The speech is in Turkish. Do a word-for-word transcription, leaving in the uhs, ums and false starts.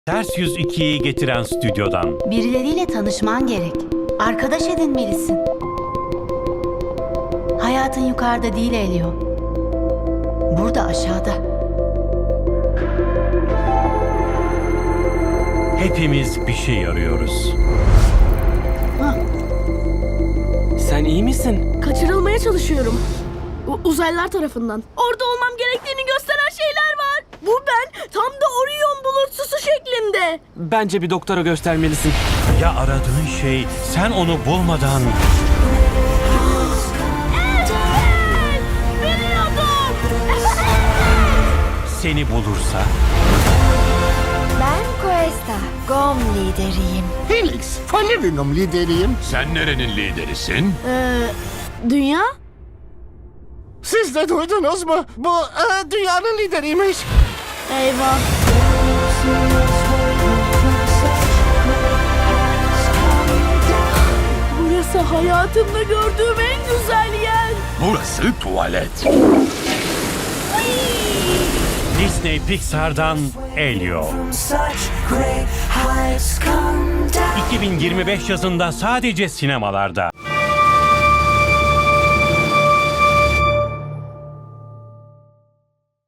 Ters Yüz ikiyi getiren stüdyodan. Birileriyle tanışman gerek. Arkadaş edinmelisin. Hayatın yukarıda değil Elio. Burada aşağıda. Hepimiz bir şey arıyoruz. Sen iyi misin? Kaçırılmaya çalışıyorum. U- uzaylılar tarafından. Orada olmam gerektiğini gösteren şeyler var. Bu ben tam da Orion bulutsusu şeklinde. Bence bir doktora göstermelisin. Ya aradığın şey sen onu bulmadan... Biliyordum. seni bulursa... Ben Questa, Gom lideriyim. Helix, Falerinum lideriyim. Sen nerenin liderisin? Ee, dünya? Siz de duydunuz mu? Bu e, dünyanın lideriymiş. Eyvah. Burası hayatımda gördüğüm en güzel yer. Burası tuvalet. Disney Pixar'dan Elio. iki bin yirmi beş yazında sadece sinemalarda.